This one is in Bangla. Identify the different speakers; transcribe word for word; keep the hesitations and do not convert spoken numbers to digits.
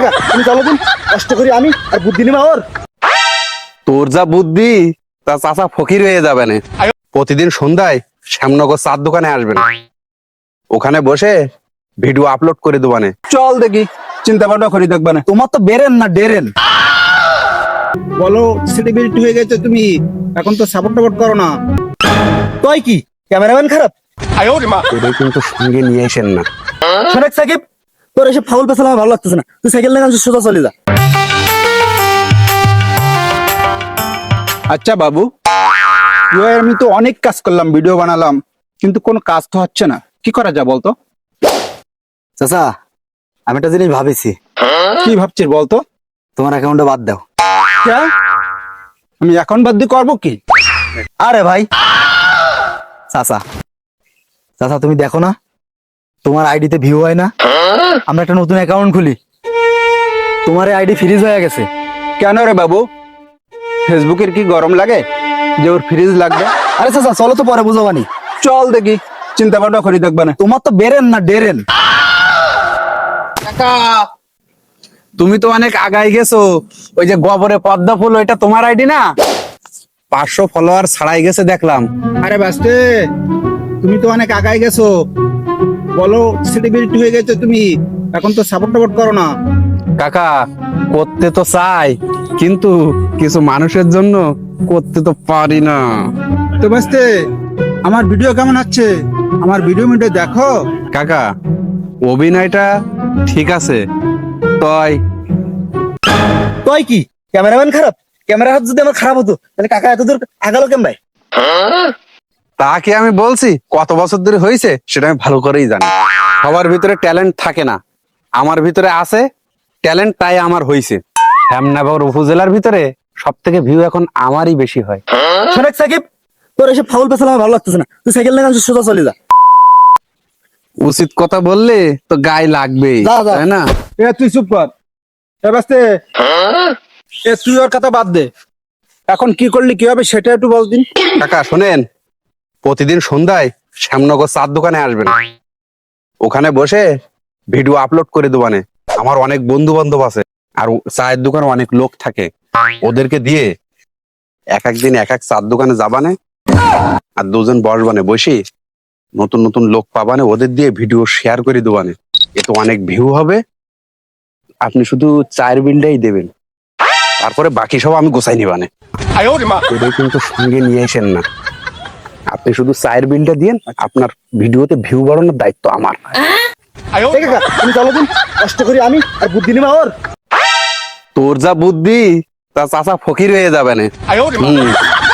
Speaker 1: কাকা তুমি চলো দিন, কষ্ট করি আমি আর বুদ্ধি নিবা ওর।
Speaker 2: তোর যা বুদ্ধি তা চাচা ফকির হয়ে যাবে না। প্রতিদিন সন্ধ্যায় শ্যামনগর চার দোকানে আসবেন, ওখানে বসে ভিডিও আপলোড করে দেবানে।
Speaker 3: চল দেখি, চিন্তা ভাবনা করি দেখবা না। তোমার তো বেরেন না ডেরেন। বলো সেলিব্রিটি হয়ে গেছে তুমি, এখন তো সাপোর্ট টাপোর্ট করো না।
Speaker 1: তুই কি ক্যামেরাম্যান খারাপ?
Speaker 2: তোদের কিন্তু সঙ্গে নিয়ে আসেন না।
Speaker 1: শোনেক সাকিব, তোর এসে ফাউল পেছাল আমার ভালো লাগতেছে না, তুই সাইকেল নিয়ে গান সোজা চলে যা।
Speaker 3: আচ্ছা বাবু, ইয়ে আমি তো অনেক কাজ করলাম, ভিডিও বানালাম, কিন্তু কোনো কাজ তো হচ্ছে না, কি করা যায় বলতো?
Speaker 1: চাচা আমি একটা জিনিস ভাবেছি,
Speaker 3: কি ভাবছিস বলতো?
Speaker 1: তোমার অ্যাকাউন্টে বাদ দাও।
Speaker 3: ক্যা? আমি এখন বাদ দিয়ে করবো কি?
Speaker 1: আরে ভাই চাচা, চাচা তুমি দেখো না তোমার আইডিতে ভিউ হয় না, আমরা একটা নতুন অ্যাকাউন্ট খুলি, তোমার আইডি ফ্রিজ হয়ে গেছে।
Speaker 3: কেন রে বাবু, ফেসবুকের কি গরম লাগে যে ওর ফ্রিজ লাগবে?
Speaker 1: আরে চাচা চলো তো পরে বুঝাবানি।
Speaker 3: চল দেখি, চিন্তা ভাবনা করি দেখবা না।
Speaker 1: তোমার তো বেরেন না ডেরেন।
Speaker 2: তুমি তো অনেক আগাই গেছো, ওই যে গোবরে পদ্মা ফুল ওইটা তোমার আইডি না? পাঁচশো ফলোয়ার ছাড়াই গেছে দেখলাম।
Speaker 3: আরে বাস্তে, তুমি তো অনেক আগাই গেছো, বলো সেলিব্রিটি হয়ে গেছে তুমি, এখন তো সাপোর্ট টাপোর্ট করো না।
Speaker 2: কাকা করতে তো চাই, কিন্তু কিছু মানুষের জন্য করতে তো পারি না।
Speaker 3: তো বাস্তে, আমার ভিডিও কেমন হচ্ছে? আমার ভিডিও মিডিও দেখো।
Speaker 2: কাকা অভিনয়টা ঠিক আছে, তয়
Speaker 1: তুই কি ক্যামেরাম্যান খারাপ? ক্যামেরা হাত যদি আমার খারাপ হতো তাহলে কাকা এত দূর আগালো কেন ভাই?
Speaker 2: তা কি আমি বলছি কত বছর ধরে হয়েছে সেটা আমি ভালো করেই জানি। সবার ভিতরে ট্যালেন্ট থাকে না, আমার ভিতরে আছে ট্যালেন্ট, তাই আমার হয়েছে। শ্যামনগর উপজেলার ভিতরে সব থেকে ভিউ এখন আমারই বেশি হয়।
Speaker 1: শোনেক সাকিব, তোর এসে ফাউল পেছাল আমার ভালো লাগতেছে না, তুই সাইকেল নিয়ে গান সোজা চলে যা।
Speaker 2: উচিত কথা বললে তো গায়ে লাগবেই,
Speaker 1: যা, যা।
Speaker 2: তাই না?
Speaker 3: এ তুই চুপ কর। এ বাস্তে, এ তুই ওর কথা বাদ দে, এখন কি করলি কি হবে সেটা একটু বল দিন।
Speaker 2: কাকা শোনেন, প্রতিদিন সন্ধ্যায় শ্যামনগর চার দোকানে আসবেন, ওখানে বসে ভিডিও আপলোড করে দেবানে। আমার অনেক বন্ধু বান্ধব আছে, আর চায়ের দোকানে অনেক লোক থাকে, ওদেরকে দিয়ে এক একদিন এক এক চার দোকানে যাবানে, আর দুজন বসবানে, বসি নতুন নতুন লোক পাবানে, ওদের দিয়ে ভিডিও শেয়ার করে দেবানে। এতে অনেক ভিউ হবে, আপনি শুধু চায়ের বিলটাই দেবেন, তারপরে বাকি সব আমি গোছাই নিবানে। ওদের কিন্তু সঙ্গে নিয়ে আসেন না, আপনি শুধু চায়ের বিলটা দিয়েন, আপনার ভিডিওতে ভিউ বাড়ানোর দায়িত্ব আমার।
Speaker 1: এই কাকা তুমি চলো দিন, কষ্ট করি আমি আর বুদ্ধি নিবা ওর।
Speaker 2: তোর যা বুদ্ধি তা চাচা ফকির হয়ে যাবে না।